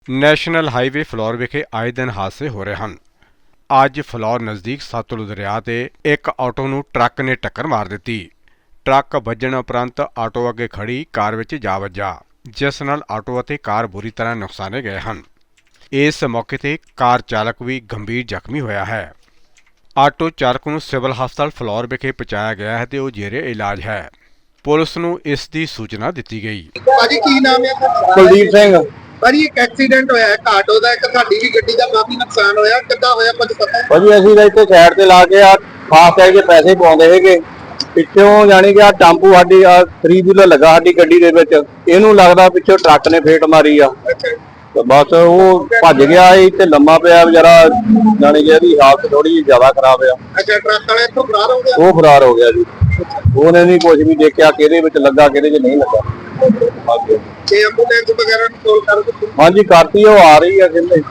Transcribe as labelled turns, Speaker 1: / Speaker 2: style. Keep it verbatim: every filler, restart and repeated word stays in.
Speaker 1: National highway floor ਵਿਖੇ ਆਏ ਦਿਨ ਹਾਦਸੇ ਹੋ ਰਹੇ ਹਨ। ਅੱਜ ਫਲੋਰ ਨਜ਼ਦੀਕ ਸਤਲੁਜ ਦਰਿਆ ਤੇ ਇੱਕ ਆਟੋ ਨੂੰ ਟਰੱਕ ਨੇ ਟੱਕਰ ਮਾਰ ਦਿੱਤੀ। ਟਰੱਕ ਵੱਜਣ ਉਪਰੰਤ ਆਟੋ ਅੱਗੇ ਖੜੀ ਕਾਰ ਵਿੱਚ ਜਾ ਵੱਜਾ, ਜਿਸ ਨਾਲ ਆਟੋ ਅਤੇ ਕਾਰ ਬੁਰੀ ਤਰ੍ਹਾਂ ਨੁਕਸਾਨੇ ਗਏ ਹਨ। ਇਸ ਮੌਕੇ ਤੇ ਕਾਰ ਚਾਲਕ ਵੀ ਗੰਭੀਰ ਜ਼ਖਮੀ ਹੋਇਆ ਹੈ। ਆਟੋ ਚਾਲਕ ਨੂੰ ਸਿਵਲ ਹਸਪਤਾਲ ਫਲੋਰ ਵਿਖੇ ਪਹੁੰਚਾਇਆ ਗਿਆ ਹੈ ਤੇ ਉਹ ਜੇਰੇ ਇਲਾਜ ਹੈ। ਪੁਲਿਸ ਨੂੰ ਇਸ ਦੀ ਸੂਚਨਾ ਦਿੱਤੀ ਗਈ।
Speaker 2: ਭਾਜੀ ਕੀ ਨਾਮ ਹੈ ਤੁਹਾਡਾ?
Speaker 3: ਕੁਲਦੀਪ ਸਿੰਘ।
Speaker 2: ਭਾਜੀ ਇੱਕ ਐਕਸੀਡੈਂਟ ਹੋਇਆ ਇੱਕ ਆਟੋ ਦਾ, ਇੱਕ ਸਾਡੀ ਵੀ ਗੱਡੀ ਦਾ ਕਾਫੀ ਨੁਕਸਾਨ ਹੋਇਆ, ਕਿੱਦਾਂ ਹੋਇਆ ਕੁਝ ਪਤਾ?
Speaker 3: ਭਾਜੀ ਅਸੀਂ ਤਾਂ ਇੱਥੇ ਸਾਈਡ ਤੇ ਲਾ ਕੇ ਆ ਫਾਸਟ ਟੈਗ ਦੇ ਪੈਸੇ ਪਾਉਂਦੇ ਸੀਗੇ, ਪਿੱਛੋਂ ਜਾਣੀ ਕਿ ਆ ਟੈਂਪੂ ਸਾਡੀ ਆ ਥਰੀ ਵੀਲਰ ਲੱਗਾ ਸਾਡੀ ਗੱਡੀ ਦੇ ਵਿੱਚ, ਇਹਨੂੰ ਲੱਗਦਾ ਪਿੱਛੋਂ ਟਰੱਕ ਨੇ ਫੇਟ ਮਾਰੀ ਆ ਤੇ ਬਸ ਉਹ ਭੱਜ ਗਿਆ ਸੀ ਤੇ ਲੰਮਾ ਪਿਆ ਵਿਚਾਰਾ, ਜਾਣੀ ਕਿ ਇਹਦੀ ਹਾਲਤ ਥੋੜੀ ਜਿਹੀ ਜ਼ਿਆਦਾ ਖਰਾਬ ਆ।
Speaker 2: ਅੱਛਾ, ਟਰੱਕ ਵਾਲੇ ਇੱਥੋਂ ਫਰਾਰ ਹੋ ਗਿਆ?
Speaker 3: ਉਹ ਫਰਾਰ ਹੋ ਗਿਆ ਜੀ, ਉਹਨੇ ਨਹੀਂ ਕੁਝ ਵੀ ਦੇਖਿਆ ਕਿਹਦੇ ਵਿੱਚ ਲੱਗਾ ਕਿਹਦੇ 'ਚ ਨਹੀਂ ਲੱਗਾ।
Speaker 2: ਤੇ ਐਂਬੂਲੈਂਸ ਵਗੈਰਾ ਨੂੰ ਕਾਲ ਕਰ ਦਿੱਤੀ?
Speaker 3: ਹਾਂਜੀ ਕਰਤੀ, ਉਹ ਆ ਰਹੀ ਆ ਕਹਿੰਦੇ।